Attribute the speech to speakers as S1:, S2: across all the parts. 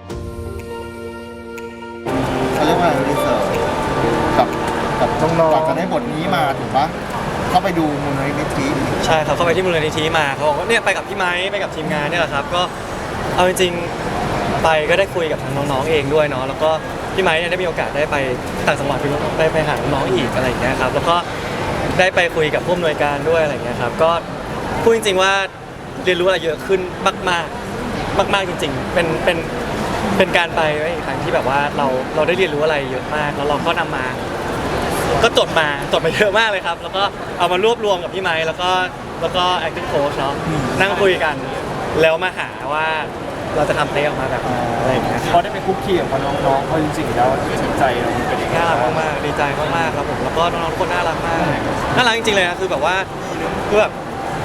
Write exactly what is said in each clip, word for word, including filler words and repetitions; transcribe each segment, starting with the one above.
S1: เขาเรียกว่ารีเสิร์ชกับกับน้องๆก่อนจะได้บทนี้มาถูกปะเข้าไปดูมูลนิธิ
S2: ใช่ครับเข้าไปที่มูลนิธิมาเขาบอกว่าเนี่ยไปกับพี่ไม้ไปกับทีมงานเนี่ยแหละครับก็เอาจริงๆไปก็ได้คุยกับทางน้องๆเองด้วยเนาะแล้วก็พี่ไม้เนี่ยได้มีโอกาสได้ไปต่างจังหวัดไปไปหาน้องๆอีกอะไรอย่างเงี้ยครับแล้วก็ได้ไปคุยกับผู้อำนวยการด้วยอะไรอย่างเงี้ยครับก็พูดจริงๆว่าเรียนรู้อะไรเยอะขึ้นมากๆมากๆจริงๆเป็นเป็นเป็นการไปอีกครั้งที่แบบว่าเราเราได้เรียนรู้อะไรเยอะมากแล้วเราก็นำมาก็จดมาจดมาเยอะมากเลยครับแล้วก็เอามารวบรวมกับพี่ไม้แล้วก็แล้วก็ acting coach เนาะนั่งคุยกันแล้วมาหาว่าเราจะทำเต้ออกมาแบบอะไรอย่างเงี้ย
S3: พอได้ไปคุกคีกับน้องๆเขาจริงๆแล้วจิตใจเราเป็นยังไง
S2: น่ารักมากๆดีใจมากๆครับผมแล้วก็น้องๆทุกคนน่ารักมากน่ารักจริงๆเลยนะคือแบบว่าคือแบบ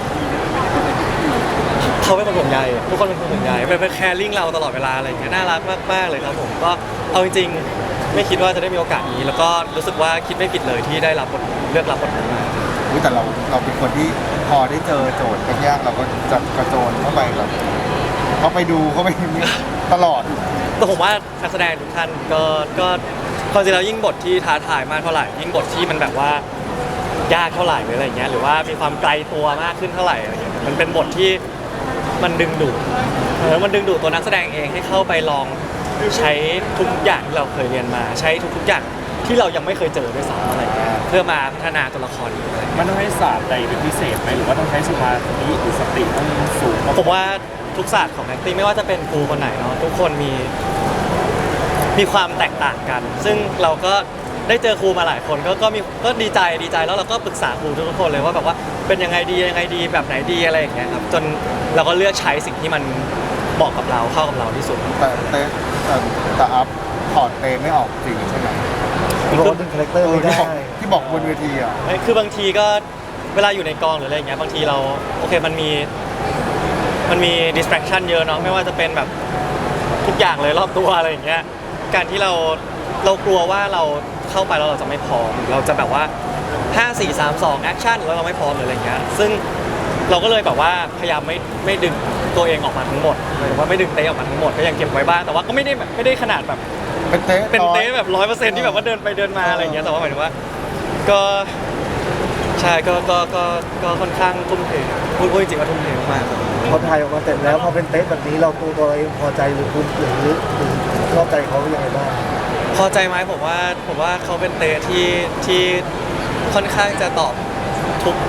S2: เขาเป็นคนห่วงใยทุกคนเป็นคนห่วงใยเป็นเป็นแคร์ลิ่งเราตลอดเวลาอะไรอย่างเงี้ยน่ารักมากๆเลยครับผมก็เอาจริงๆไม่คิดว่าจะได้มีโอกาสนี้แล้วก็รู้สึกว่าคิดไม่ผิดเลยที่ได้รับบทเลือกรับบทนี้มา
S1: อุ๊ยแต่เราเราเป็นคนที่พอได้เจอโจทย์ยากๆเราก็จะกระโจนเข้าไปแบบเข้าไปดูเข้าไปตลอด
S2: แต่ผมว่านักแสดงทุกท่านก็ก็ความจริงแล้วยิ่งบทที่ท้าทายมากเท่าไหร่ยิ่งบทที่มันแบบว่ายากเท่าไหร่หรืออะไรเงี้ยหรือว่ามีความไกลตัวมากขึ้นเท่าไหร่อะไรเงี้ยมันเป็นบทที่มันดึงดูดเออมันดึงดูดตัวนักแสดงเองให้เข้าไปลองใช้ทุกอย่างที่เราเคยเรียนมา ใช้ทุกๆอย่างที่เรายังไม่เคยเจอด้วยซ้ำอะไรเงี้ยเพื่อมาพัฒนาตัวละครนี้อะไร
S3: มันต้องให้ศาสตร์ใดเป็นพิเศษไหมหรือว่าต้องใช้สมาธิหรือสติต้องสูง
S2: ผมว่าทุกศาสตร์ของ acting ไม่ว่าจะเป็นครูคนไหนเนาะทุกคนมีมีความแตกต่างกัน ซึ่งเราก็ได้เจอครูมาหลายคนก็ก็มีก็ดีใจดีใจแล้วเราก็ปรึกษาครูทุกคนเลยว่าแบบว่าเป็นยังไงดียังไงดีแบบไหนดีอะไรอย่างเงี้ยครับจนเราก็เลือกใช้สิ่งที่มันเหมาะกับเราเข้ากับเราที่สุด
S1: แต่เต้แต่แต่อัพถอดเตไม่ออกจริงใช่ไหม
S4: โรสเป็นคาแรคเตอร์ไม่ได้
S1: ที่บอกบนเวทีอ่ะ
S2: คือบางทีก็เวลาอยู่ในกองหรืออะไรอย่างเงี้ยบางทีเราโอเคมันมีมันมี distraction เยอะเนาะไม่ว่าจะเป็นแบบทุกอย่างเลยรอบตัวอะไรอย่างเงี้ยการที่เราเรากลัวว่าเราเข้าไปแล้วเราจะไม่พร้อมเราจะแบบว่าห้า สี่ สาม สอง action แล้วเราไม่พร้อมหรืออะไรอย่างเงี้ยซึ่งเราก็เลยแบบว่าพยายามไม่ไม่ดึงตัวเองออกมาทั้งหมดหรือว่าไม่ดึงเต้ออกมาทั้งหมดก็ยังเก็บไว้บ้างแต่ว่าก็ไม่ได้แบบไม่ได้ขนาดแบบ
S1: เป็นเต้
S2: เป็น
S1: ร้อย
S2: เต้แบบร้อยเปอร์เซ็นต์ที่แบบว่าเดินไปเดินมาอะไรอย่างเงี้ยแต่ว่าหมายถึงว่าก็ใช่ก็ก็ก็ก็ค่อนข้างทุ่มเทพูดพูดจริงๆว่าทุ่มเทมากๆครับ
S4: พอถ่ายออกมาเสร็จแล้วพอเป็นเต๊ะแบบนี้เราตัวตัวเราเองพอใจหรือคุณหรือหรือชอบใจเขายังไงบ้าง
S2: พอใจไหมผมว่าผมว่าเขาเป็นเต้ที่ที่ค่อนข้างจะตอบทุก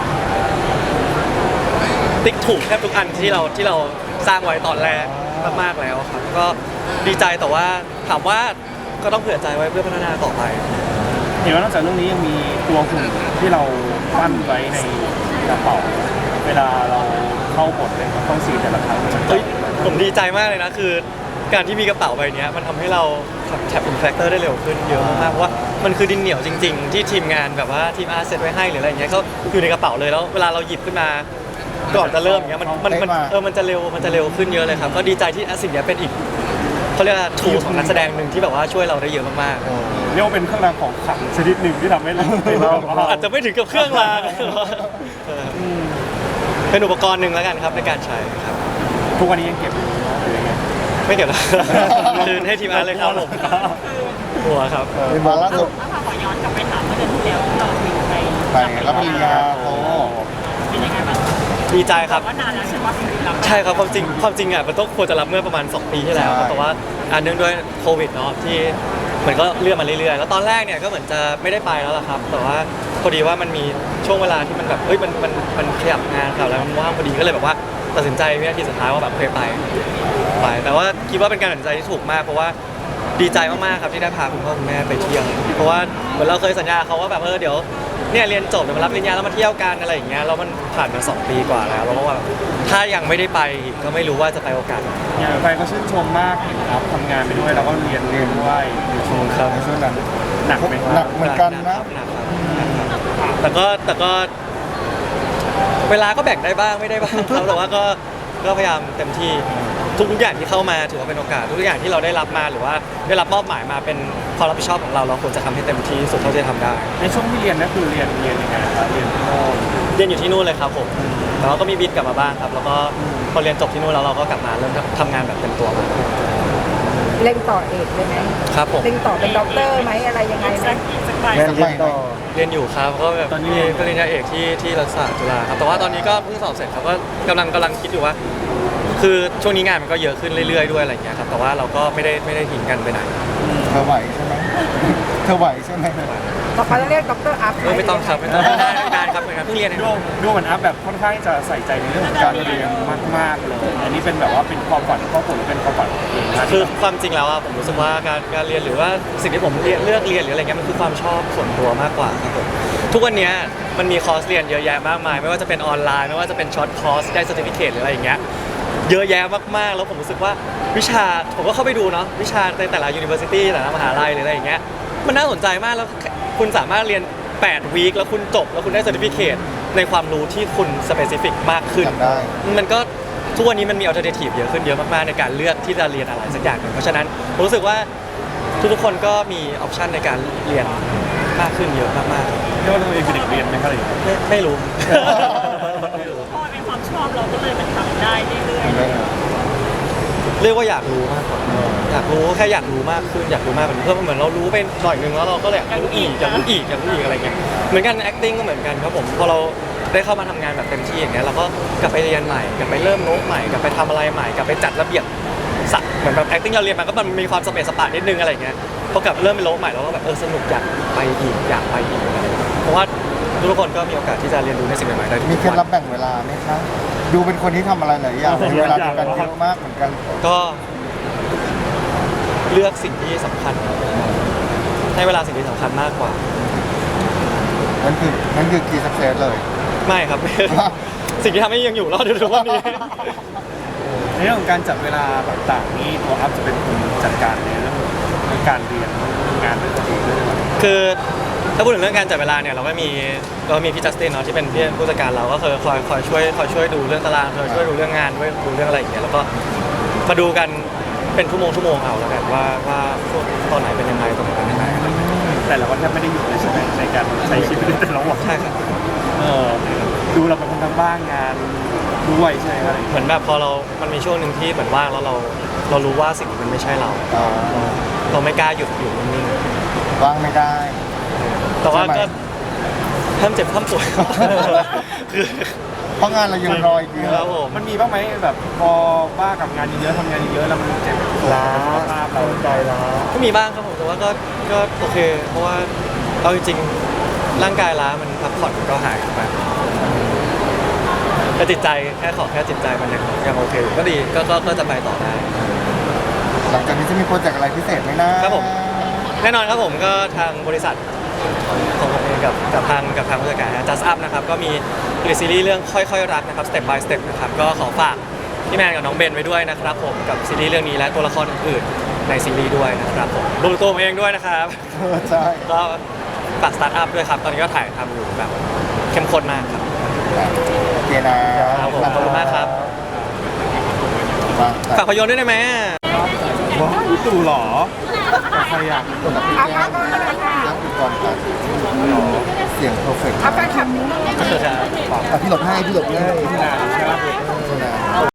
S2: ติ๊กถูกแทบทุกอันที่เราที่เราสร้างไว้ตอนแรกมากๆแล้วครับก็ดีใจแต่ว่าถามว่าก็ต้องเผื่อใจไว้เพื่อพัฒนาต่อไป
S3: เห็นว่านอกจากเรื่องนี้ยังมีตัวหุ่นที่เราปั้นไว้ในกระเป๋าเวลาเราเข้าบทเลยต้องซีนแต่ละครั้งมัน
S2: เฮ้ยผมดีใจมากเลยนะคือการที่มีกระเป๋าใบนี้มันทำให้เราแท็บอินแฟกเตอร์ได้เร็วขึ้นเยอะมากเพราะว่ามันคือดินเหนียวจริง ๆ ที่ทีมงานแบบว่าทีมอาร์ตเซตไว้ให้หรืออะไรอย่างเงี้ยก็อยู่ในกระเป๋าเลยแล้วเวลาเราหยิบขึ้นมาก่อนจะเริ่มอย่างเงี้ยมันมันมันเออมันจะเร็วมันจะเร็วขึ้นเยอะเลยครับก็ดีใจที่สิ่งนี้เป็นอีกเขาเรียกว่าทูของนักแสดงหนึ่งที่แบบว่าช่วยเราได้เยอะมากๆ
S3: เรียกว่าเป็นเครื่องรางของขลังชนิดหนึ่งที่ทำให้เราเป็นเรา
S2: อาจจะไม่ถึงกับเครื่องรางเออเป็นอุปกรณ์หนึ่งแล้วกันครับในการใช้ครับ
S3: ทุกวันนี้ยังเก็บอยู่หรือยังไง
S2: ไม่เกี่ยวกับ คืนให้ทีมงานเลยครับผมหัวครับ
S1: ในมาล่าสุด
S5: ถ้าขอย้อนกลับไปถามเมื่อเดือนที่แล้วที่เราถึงไป
S1: ไปรับปริญญาโท
S5: เป็นยังไงบ้าง
S2: ดีใจครับ
S5: ว่านานแล้วใช่ไหมรับ
S2: ใช่ครับความจริงความจริงอ่ะมันต้องควรจะรับเมื่อประมาณสองปีที่แล้วครับแต่ว่าอ่าเนื่องด้วยโควิดเนาะที่มันก็เลื่อนมาเรื่อยๆแล้วตอนแรกเนี่ยก็เหมือนจะไม่ได้ไปแล้วล่ะครับ แต่ว่าพอดีว่ามันมีช่วงเวลาที่มันแบบเฮ้ยมันมันมันขยับงานครับแล้วมันว่างพอดีก็เลยแบบว่าตัดสินใจวินาทีสุดท้ายว่าแบบเคยไปไป แต่ว่าคิดว่าเป็นการตัดสินใจที่ถูกมากเพราะว่าดีใจมากๆครับที่ได้พาคุณพ่อคุณแม่ไปเที่ยวเพราะว่าเหมือนเราเคยสัญญาเขาว่าแบบเออเดี๋ยวเนี่ยเรียนจบเดี๋ยวมารับปริญญาแล้วมาเที่ยวกันอะไรอย่างเงี้ยแล้วมันผ่านมาสองปีกว่าแล้วเราก็ว่าถ้ายังไม่ได้ไปอีกก็ไม่รู้ว่าจะไปโอกาสไหน
S3: อย่างไปก็ชื่นชมมากเห็นครับทำงานไปด้วยแล้วก็เรียนเรียนด้วยอยู่ชม
S2: ครับ
S1: ในช่วงนั้น
S3: หนักไหมค
S1: หนั
S3: รั
S1: ก
S3: บ
S1: เหมือนกันนะ
S2: หนักครับแต่ก็แต่ก็เวลาก็แบ่งได้บ้างไม่ได้บ้างครับแต่ว่าก็ก็พยายามเต็มที่ทุกๆอย่างที่เข้ามาถือว่าเป็นโอกาสทุกๆอย่างที่เราได้รับมาหรือว่าได้รับมอบหมายมาเป็นความรับผิดชอบของเราเราควรจะทำให้เต็มที่สุดเท่าที่จะทำได้
S3: ในช่วงที่เรียนนั่นคือเรียนเรียนยังไงครับเรียนที่โน่น
S2: เรียนอยู่ที่นู่นเลยครับผมแต่ว่าก็มีบินกลับมาบ้างครับ แล้วก็พอเรียนจบที่นู่นแล้วเราก็กลับมาเริ่มทำงานแบบเต็มตัวมา
S3: อ
S6: เล่งต่อเอกเลยไหม
S2: ครับผม
S6: เล่งต่อเป็นด็อกเตอร์ไหมอะไรยังไงไหม
S5: สักสักใบ
S4: แม่นเรียนต่อ
S2: เรียนอยู่ครับก็แบบมีปริญญาเอกที่ที่รัฐศาสตร์จุฬาครับแต่ว่าตอนนี้ก็เพิ่งสอบเสร็จครับก็กำลังกำลังคิดอยู่ว่า คือช่วงนี้งานมันก็เยอะขึ้นเรื่อยๆด้วยอะไรอย่างเงี้ยครับแต่ว่าเราก็ไม่ได้ไม่ได้ทิ้งกันไปไหน
S1: เธอไหวใช่ไหมเธอไหวใช่ไหม
S6: ต่อไปต้องเรียกด็อกเตอร์อัพ
S2: เออไม่ต้องครับไม่ต้องไม่ได้ไม่ได้ครับเหมือนกันเพิ่งเรียนเอง
S3: ด้วงด้วงเหมือนอัพแบบค่อนข้างจะใส่ใจในเรื่องของการเรียนมากๆเลย อันนี้เป็นแบบว่าเป็นความฝันของครอบครัวหรือเป็นความฝันของตัวเองนะ
S2: คือความจริงแล้วอะผมรู้สึกว่าการการเรียนหรือว่าสิ่งที่ผมเรียนเลือกเรียนหรืออะไรเงี้ยมันคือความชอบส่วนตัวมากกว่าครับผมทุกวันเนี้ยมันมีคอร์สเรียนเยอะแยะมากมาย ไม่ว่าจะเป็นออนไลน์ไม่ว่าจะเป็นช็อตคอร์สได้ certificate หรืออะไรอย่างเงี้ยเยอะแยะมากๆแล้วผมรู้สึกว่าวิชาผมก็เข้าไปดูเนาะวิชาในแต่ละ university แต่ละมหาลัยหรืออะไรอย่างเงี้ยมันน่าสนใจมากแล้วคุณสามารถเรียนแปดวีคแล้วคุณจบแล้วคุณได้ certificate ในความรู้ที่คุณ specific มากขึ้น
S1: จำได้
S2: มันก็ทุกวันนี้มันมี alternative เยอะขึ้นเยอะมากๆในการเลือกที่จะเรียนอะไรสักอย่างหนึ่งเพราะฉะนั้นผมรู้สึกว่าทุกๆคนก็มีออปชันในการเรียนมากขึ้นเยอะมากๆ
S3: เรียกว่าตัวเองเป็นเด็กเรียนไหมครับ
S2: ไม่ไม่รู้
S5: พอเป็นความชอบเราก็เลยมันทำได้เรื่อย
S2: เรียกว่าอยากรู้มากกว่าอยากรู้แค่อยากรู้มากขึ้นอยากรู้มากกว่านี้เพื่อเหมือนเรารู้ไปหน่อยนึงแล้วเราก็เลยอยากรู้อีกอยากรู้อีกอยากรู้อีกอะไรเงี้ยเหมือนกัน acting ก็เหมือนกันครับผมพอเราได้เข้ามาทำงานแบบเต็มที่อย่างเงี้ยเราก็กลับไปเรียนใหม่กลับไปเริ่มโน้ตใหม่กลับไปทำอะไรใหม่กลับไปจัดระเบียบสักเหมือนแบบ acting เราเรียนมาก็มันมีความสเปซสปะนิดนึงอะไรเงี้ยพอกลับเริ่มเป็นโน้ตใหม่เราก็แบบเออสนุกอยากไปอีกอยากไปอีกอะไรเงี้ยเพราะว่าทุกคนก็มีโอกาสที่จะเรียนรู้ในสิ่งใหม่ๆได้ทุก
S1: มีเคล็ด
S2: วั
S1: ลับ
S2: น
S1: แบ่งเวลาไหมคะดูเป็นคนที่ทำอะไรหลายอย่างมีเวลาในการเยอะมากเหมือนกัน
S2: ก็เลือกสิ่งที่สำคัญให้เวลาสิ่งที่สำคัญมากกว่า
S1: นั่นคือนั่นคือ key success เลย
S2: ไม่ครับ สิ่งที่ทำให้ยังอยู่รอดอยู่ทุกวันนี้
S3: ในเรื่องของการจัดเวลาต่างๆนี่ตัวอัพจะเป็นคนจัดการในเรื่องของการเรียนงานด้วยตัวเองด้วย
S2: คือถ้าพูดถึงเรื่องการจัดเวลาเนี่ยเราก็มีเรามีพี่จัสตินเนาะที่เป็นพี่ผู้จัดการเราก็เคยคอยคอยช่วยคอยช่วยดูเรื่องตารางคอยช่วยดูเรื่องงานด้วยดูเรื่องอะไรอย่างเงี้ยแล้วก็มาดูกันเป็นชั่วโมงชั่วโมงเอาแล้วกันว่าว่าช่วงตอนไหนเป็นยังไงตอนไหนเป็นยังไงอะไรอย่างเงี้ย
S3: แต่เราก็แทบไม่ได้หยุดเลยใช่ไหมในการใช้ชีวิตในแต่ละวัน
S2: ใช่ครับ
S3: เออดูเราเป็นคนทำบ้านงานด้วยใช่ไหมครับ
S2: เหมือนแบบพอเรา มันมีช่วงหนึ่งที่เหมือนว่างแล้วเราเรารู้ว่าสิ่งนี้มันไม่ใช่เรา
S1: อ๋อ
S2: เราไม่กล้าหยุดอยู่นิ่ง
S1: ว่างไม่ได้
S2: ๆแต่ว่า
S1: ใช่ไหม
S2: ก็ห้ามเจ็บห้ามป่วย คือ
S1: เพราะงานเรายังรออีกเย
S2: ครั
S1: อะ
S2: บผม
S3: มันมีบ้างไหมแบบพอบ้ากับงานเยอะๆทำงานเยอะๆแล้วมันเจ็บตัว
S4: ล้า
S3: สุขภาพเรา
S4: ใจล้า
S2: ก็มีบ้างครับผมแต่ว่าก็ก็โอเค เพราะว่าเอาจริงๆร่างกายล้ามันพักผ่อนมันก็หายไปแต่จิตใจแค่ขอแค่จิตใจมันยังยังโอเคอยู่ก็ดีก็ก็ก็จะไปต่อได้
S1: หลังจากนี้จะมีโปรเจกต์อะไรพิเศษไหมนะครับ
S2: ผม แน่นอนครับผมก็ทางบริษัทของผมเองกับกับทางกับทางผู้จัดการนะ Just Up นะครับก็มีผลิตซีรีส์เรื่องค่อยๆรักนะครับ Step by Step นะครับก็ขอฝากพี่แมนกับน้องเบนไว้ด้วยนะครับผมกับซีรีส์เรื่องนี้และตัวละครอื่นๆในซีรีส์ด้วยนะครับผมรวมตัวผมเองด้วยนะครับ
S1: เออใช่
S2: ก็ฝากสตาร์ทอัพด้วยครับ ตอนนี้ก็ถ่ายทำอยู่แบบเข้มข้นมากครับ
S1: โอเคนะครับ
S2: ผมขอบคุณมากครับ
S1: มา
S2: ฝากพยนตร์ด้วยได้ไหม
S3: ว้าวดูหรอใครอยาก
S1: คนละพี่
S6: อัพ
S1: แก้
S6: อั
S1: ม
S6: พก็เลยค่ะ
S1: นั่งก่อนครับเสียงเพอร์เฟกต์
S6: อัพแฟนคลับนี้
S1: อ่ะพี่หลบให้พี่หลบให้
S3: ที่นานใช่ไหม
S1: นะ